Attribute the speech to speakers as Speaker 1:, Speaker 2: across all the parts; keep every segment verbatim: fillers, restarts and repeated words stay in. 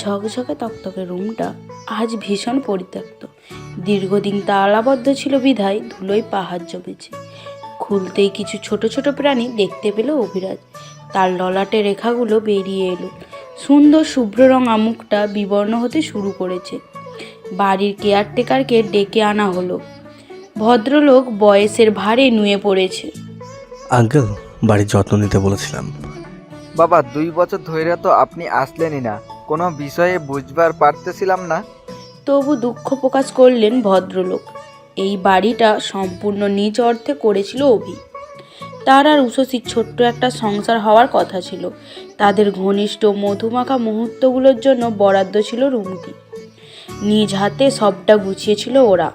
Speaker 1: ঝকঝকে তকতকে রুমটা আজ ভীষণ পরিত্যক্ত। দীর্ঘদিন তালাবদ্ধ ছিল বিধায় ধুলোয় পাহাড় জমেছে। খুলতেই কিছু ছোট ছোট প্রাণী দেখতে পেল অভিরাজ। তার ললাটে রেখাগুলো বেরিয়ে এলো, সুন্দর শুভ্র রঙা মুখটা বিবর্ণ হতে শুরু করেছে। বাড়ির কেয়ারটেকারকে ডেকে আনা হলো। ভদ্রলোক বয়সের ভারে নুয়ে পড়েছে।
Speaker 2: আঙ্কেল, বাড়ির যত্ন নিতে বলেছিলাম।
Speaker 3: বাবা, দুই বছর ধরে তো আপনি আসলেনই না, কোনো বিষয়ে বুঝবার পারতেছিলাম না।
Speaker 1: তবু দুঃখ প্রকাশ করলেন ভদ্রলোক। এই বাড়িটা সম্পূর্ণ নিজ অর্থে করেছিল অভি। তার আর উষসীর ছোট্ট একটা সংসার হওয়ার কথা ছিল। তাদের ঘনিষ্ঠ মধুমাখা মুহূর্তগুলোর জন্য বরাদ্দ ছিল রুমটি। নিজ হাতে সবটা গুছিয়েছিল ওরা।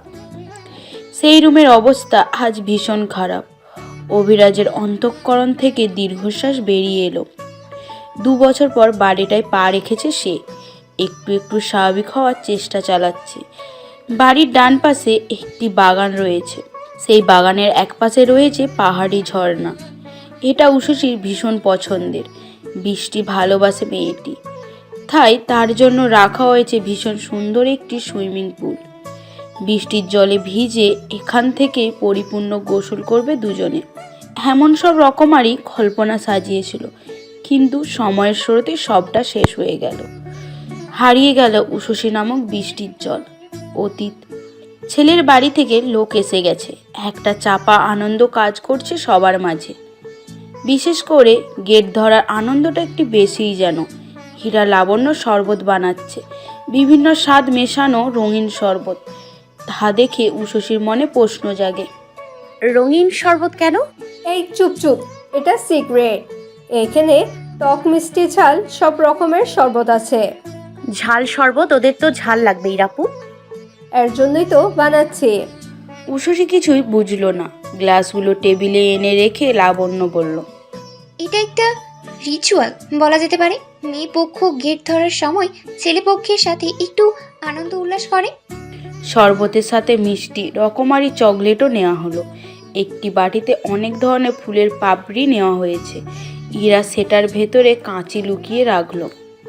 Speaker 1: সেই রুমের অবস্থা আজ ভীষণ খারাপ। অভিরাজের অন্তঃকরণ থেকে দীর্ঘশ্বাস বেরিয়ে এলো। দু বছর পর বাড়িটায় পা রেখেছে সে। একটু একটু স্বাভাবিক হওয়ার চেষ্টা চালাচ্ছে। বাড়ির ডান পাশে একটি বাগান রয়েছে। সেই বাগানের এক পাশে রয়েছে পাহাড়ি ঝর্ণা। এটা উষসীর ভীষণ পছন্দের। বৃষ্টি ভালোবাসে মেয়েটি, তাই তার জন্য রাখা হয়েছে ভীষণ সুন্দর একটি সুইমিং পুল। বৃষ্টির জলে ভিজে এখান থেকে পরিপূর্ণ গোসল করবে দুজনে। এমন সব রকমারই কল্পনা সাজিয়েছিল, কিন্তু সময়ের স্রোতে সবটা শেষ হয়ে গেল। হারিয়ে গেল উষসী নামক বৃষ্টির জল, অতীত। ছেলের বাড়ি থেকে লোক এসে গেছে। একটা চাপা আনন্দ কাজ করছে সবার মাঝে। বিশেষ করে গেট ধরার আনন্দটা একটু বেশিই যেন। হীরা লাবণ্য শরবত বানাচ্ছে, বিভিন্ন স্বাদ মেশানো রঙিন শরবত। তা দেখে উষসীর মনে প্রশ্ন জাগে।
Speaker 4: রঙিন শরবত কেন?
Speaker 5: এই চুপ চুপ, এটা সিক্রেট। এখানে টক মিষ্টি ঝাল সব রকমের শরবত আছে।
Speaker 4: ঝাল শরবত? ওদের তো ঝাল লাগবেই রাপু।
Speaker 5: এর জন্যই তো বানাচ্ছি।
Speaker 1: উষসী কিছুই বুঝলো না। গ্লাসগুলো টেবিলে এনে রেখে লাবণ্য বলল,
Speaker 6: এটা একটা রিচুয়াল বলা যেতে পারে। মেয়ে পক্ষ গেট ধরার সময় ছেলে পক্ষের সাথে একটু আনন্দ উল্লাস করে।
Speaker 1: শরবতের সাথে মিষ্টি রকমারি চকলেটও নেওয়া হলো। একটি বাটিতে অনেক ধরনের ফুলের পাপড়ি নেওয়া হয়েছে। ইরা সেটার ভেতরে কাঁচি লুকিয়ে রাখলো।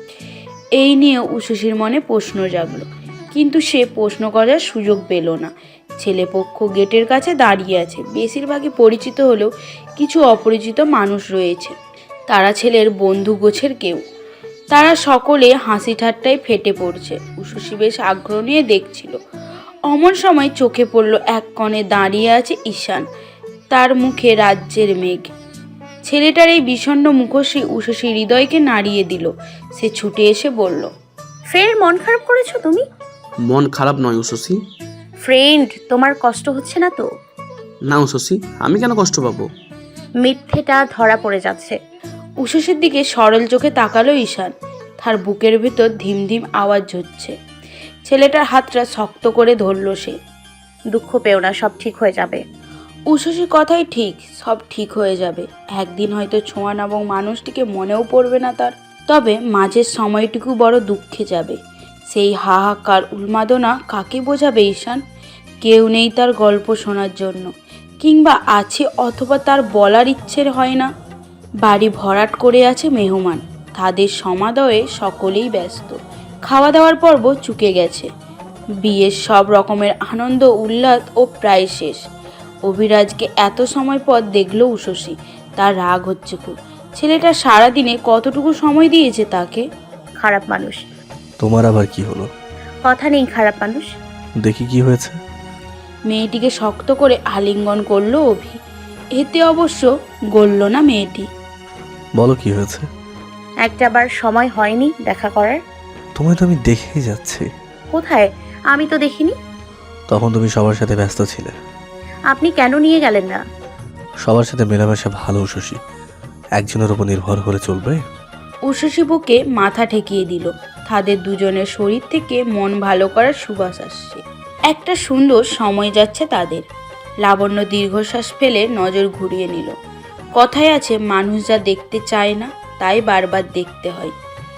Speaker 1: এই নিয়ে উষসীর মনে প্রশ্ন জাগলো, কিন্তু সে প্রশ্ন করার সুযোগ পেল না। ছেলেপক্ষ গেটের কাছে দাঁড়িয়ে আছে। বেশিরভাগই পরিচিত হলেও কিছু অপরিচিত মানুষ রয়েছে। তারা ছেলের বন্ধু গোছের কেউ। তারা সকলে হাসি ঠাট্টায় ফেটে পড়ছে। উষসী বেশ আগ্রহ নিয়ে দেখছিল। অমন সময় চোখে পড়ল এক কোণে দাঁড়িয়ে আছে ঈশান। তার মুখে রাজ্যের মেঘ। ছেলেটার এই বিষণ্ণ মুখশ্রী উষসী হৃদয়কে নাড়িয়ে দিল। সে ছুটে এসে বলল,
Speaker 4: ফের মন খারাপ করেছো তুমি?
Speaker 7: মন খারাপ নয় উষসী।
Speaker 4: ফ্রেন্ড, তোমার কষ্ট হচ্ছে না তো?
Speaker 7: না উষসী, আমি কেন কষ্ট পাবো?
Speaker 4: মিথ্যেটা ধরা পড়ে যাচ্ছে।
Speaker 1: উষসীর দিকে সরল চোখে তাকালো ঈশান। তার বুকের ভিতর ধিম ধিম আওয়াজ হচ্ছে। ছেলেটার হাতটা শক্ত করে ধরল সে।
Speaker 4: দুঃখ পেও না, সব ঠিক হয়ে যাবে।
Speaker 1: উষসীর কথাই ঠিক, সব ঠিক হয়ে যাবে। একদিন হয়তো ছোঁয়া নামক মানুষটিকে মনেও পড়বে না তার। তবে মাঝের সময়টুকু বড় দুঃখে যাবে। সেই হাহাকার উন্মাদনা কাকে বোঝাবে ঈশান? কেউ নেই তার গল্প শোনার জন্য, কিংবা আছে অথবা তার বলার ইচ্ছের হয় না। বাড়ি ভরাট করে আছে মেহমান। তাদের সমাদয়ে সকলেই ব্যস্ত। খাওয়া দাওয়ার পর্ব চুকে গেছে। বিয়ের সব রকমের আনন্দ উল্লাস ও প্রায় শেষ। অভিরাজকে এত সময় পর দেখল উষসী। তার রাগ হচ্ছে খুব। ছেলেটা সারাদিনে কতটুকু সময় দিয়েছে তাকে।
Speaker 4: খারাপ মানুষ।
Speaker 2: তোমার আবার কি হলো?
Speaker 4: কথা নেই, খারাপ মানুষ।
Speaker 2: দেখি কি হয়েছে।
Speaker 1: মেয়েটিকে শক্ত করে আলিঙ্গন করলো অভি। এতে অবশ্য গলল না মেয়েটি।
Speaker 2: বলো কি হয়েছে।
Speaker 4: একটা বার সময় হয়নি দেখা করার।
Speaker 2: তোমায় তো আমি দেখেই যাচ্ছি।
Speaker 4: কোথায়? আমি তো দেখিনি।
Speaker 2: তখন তুমি সবার সাথে ব্যস্ত ছিলে।
Speaker 4: আপনি কেন নিয়ে গেলেন না?
Speaker 2: সবার সাথে মেলামেশা ভালো উষসী, একজনের উপর নির্ভর করে চলবে?
Speaker 1: উষসী বুকে মাথা ঠেকিয়ে দিল। তাদের দুজনের শরীর থেকে মন ভালো করার সুবাস আসছে। একটা সুন্দর সময় যাচ্ছে তাদের। লাবণ্য দীর্ঘশ্বাস ফেলে নজর ঘুরিয়ে নিল। কথায় আছে, মানুষ যা দেখতে চায় না তাই বারবার দেখতে হয়।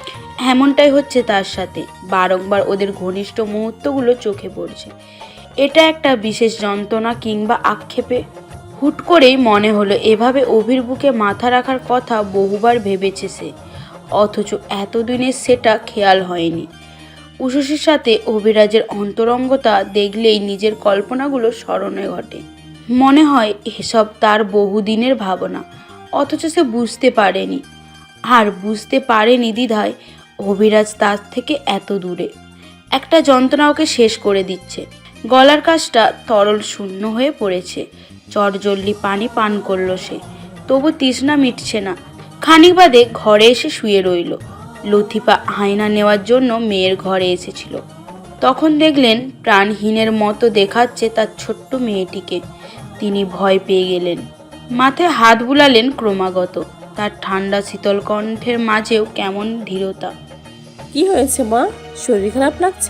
Speaker 1: এমনটাই হচ্ছে তার সাথে। বারংবার ওদের ঘনিষ্ঠ মুহূর্তগুলো চোখে পড়ছে। এটা একটা বিশেষ যন্ত্রণা কিংবা আক্ষেপে? হুট করেই মনে হলো এভাবে অভির বুকে মাথা রাখার কথা বহুবার ভেবেছে সে। অথচ এতদিনে সেটা খেয়াল হয়নি। উষসীর সাথে অভিরাজের অন্তরঙ্গতা দেখলেই নিজের কল্পনাগুলো স্মরণে ঘটে। মনে হয় এসব তার বহুদিনের ভাবনা, অথচ সে বুঝতে পারেনি। আর বুঝতে পারেনি দ্বিধায় অভিরাজ তার থেকে এত দূরে। একটা যন্ত্রণা ওকে শেষ করে দিচ্ছে। গলার কাছটা তরল শূন্য হয়ে পড়েছে। চটজলদি পানি পান করলো সে, তবু তৃষ্ণা মিটছে না। খানিক বাদে ঘরে এসে শুয়ে রইল। লতিফা আয়না নেওয়ার জন্য মেয়ের ঘরে এসেছিল। তখন দেখলেন প্রাণহীনের মতো দেখাচ্ছে তার ছোট্ট মেয়েটিকে। তিনি ভয় পেয়ে গেলেন, মাথায় হাত বুলালেন ক্রমাগত। তার ঠান্ডা শীতল কণ্ঠের মাঝেও কেমন ধীরতা।
Speaker 8: কি হয়েছে মা, শরীর খারাপ লাগছে?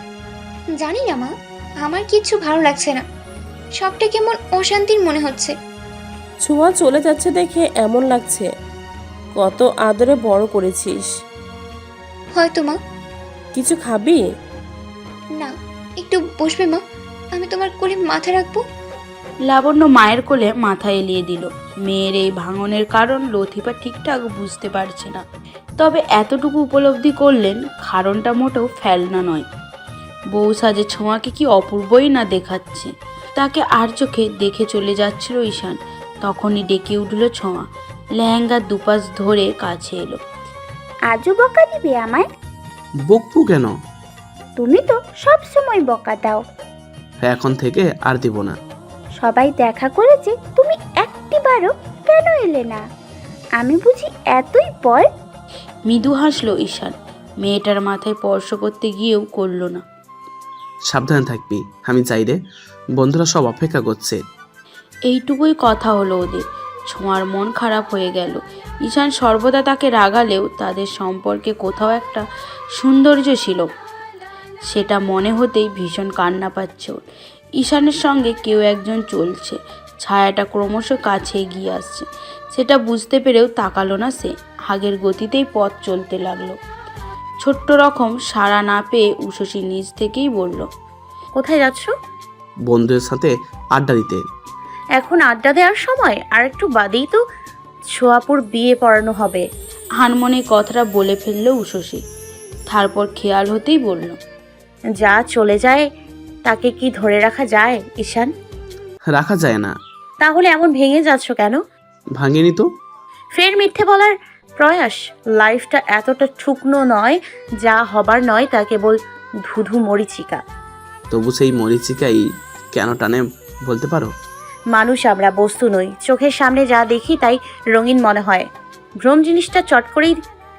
Speaker 6: জানি না মা, আমার কিচ্ছু ভালো লাগছে না। সবটা কেমন অশান্তির মনে হচ্ছে।
Speaker 8: ছোঁয়া চলে যাচ্ছে দেখে এমন লাগছে। কত আদরে বড় করেছিস।
Speaker 6: হয়তো মা।
Speaker 8: কিছু খাবি?
Speaker 6: না, একটু বসবে মা, আমি তোমার কোলে মাথা রাখবো।
Speaker 1: লাবণ্য মায়ের কোলে মাথা এলিয়ে দিল। মেয়ের এই ভাঙনের কারণ লতিফা ঠিকঠাক বুঝতে পারছে না, তবে এতটুকু উপলব্ধি করলেন কারণটা মোটেও ফেলনা নয়। বউ সাজে ছোঁয়াকে কি অপূর্বই না দেখাচ্ছে। তাকে আর চোখে দেখে চলে যাচ্ছিল ঈশান। তখনই ডেকে উঠল ছোঁয়া, লেহেঙ্গার দুপাশ ধরে কাছে এলো।
Speaker 9: আজও বকা দিবে আমায়?
Speaker 7: বকবো কেন?
Speaker 9: তুমি তো সব সময় বকা দাও।
Speaker 7: এখন থেকে আর দিব না।
Speaker 9: সবাই দেখা করেছে, তুমি একটিবারও কেন এলে না? আমি বুঝি এতই পর?
Speaker 1: মৃদু হাসলো ঈশান। মেয়েটার মাথায় স্পর্শ করতে গিয়েও করল না।
Speaker 7: সাবধানে থাকবি, আমি চাই রে। বন্ধুরা সব অপেক্ষা করছে।
Speaker 1: এইটুকুই কথা হলো ওদের। ছোঁয়ার মন খারাপ হয়ে গেল। ঈশান সর্বদা তাকে রাগালেও তাদের সম্পর্কে কোথাও একটা সৌন্দর্য ছিল। সেটা মনে হতেই ভীষণ কান্না পাচ্ছে ওর। ঈশানের সঙ্গে কেউ একজন চলছে, ছায়াটা ক্রমশ কাছে এগিয়ে আসছে। সেটা বুঝতে পেরেও তাকালো না সে। আগের গতিতেই পথ চলতে লাগলো। ছোট্ট রকম সাড়া না পেয়ে উষসী নিজ থেকেই বলল,
Speaker 4: কোথায় যাচ্ছ?
Speaker 7: বন্ধুদের সাথে আড্ডা দিতে।
Speaker 4: এখন আড্ডা দেওয়ার সময়? আর একটু বাদেই তো ছোঁয়াপুর বিয়ে পড়ানো হবে।
Speaker 1: হানমনে কথাটা বলে ফেলল উষসী। তারপর খেয়াল হতেই বলল,
Speaker 4: যা চলে যায় তাকে কি ধরে রাখা যায় ঈশান?
Speaker 7: রাখা যায় না।
Speaker 4: তাহলে এমন ভেঙে যাচ্ছ কেন?
Speaker 7: ভাঙেনি তো।
Speaker 4: ফের মিথ্যে বলার প্রয়াস। লাইফটা এতটা শুকনো নয়, যা হবার নয় তা কেবল ধুধু মরিচিকা।
Speaker 7: তবু সেই মরিচিকাই কেন টানে বলতে পারো?
Speaker 4: মানুষ আমরা, বস্তু নই। চোখের সামনে যা দেখি তাই রঙিন মনে হয়। ভ্রম জিনিসটা চট করেই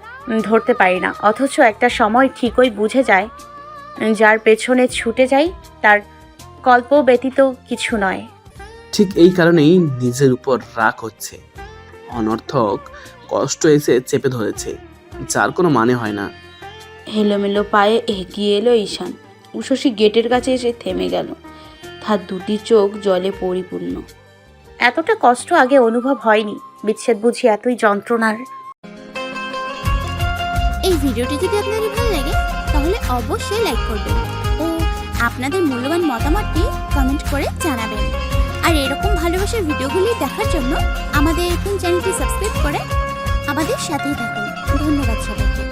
Speaker 4: ধরতে পারি না, অথচ একটা সময় ঠিকই বুঝে যায় যার পেছনে ছুটে যাই তার কল্প ব্যতীত কিছু নয়।
Speaker 7: ঠিক এই কারণেই নিজের উপর রাগ হচ্ছে। অনর্থক কষ্ট এসে চেপে ধরেছে, যার কোনো মানে হয় না।
Speaker 1: এলোমেলো পায়ে এগিয়ে এলো ঈশান। উষসী গেটের কাছে এসে থেমে গেল। তার দুটি চোখ জলে পরিপূর্ণ।
Speaker 4: এতটা কষ্ট আগে অনুভব হয়নি। বিচ্ছেদ বুঝি এতই যন্ত্রণার?
Speaker 9: এই ভিডিওটি যদি আপনাদের ভালো লাগে তাহলে অবশ্যই লাইক করবেন ও আপনাদের মূল্যবান মতামতটি কমেন্ট করে জানাবেন। আর এরকম ভালোবাসার ভিডিওগুলি দেখার জন্য আমাদের এখন চ্যানেলটি সাবস্ক্রাইব করে আমাদের সাথেই থাকুন। ধন্যবাদ সবাইকে।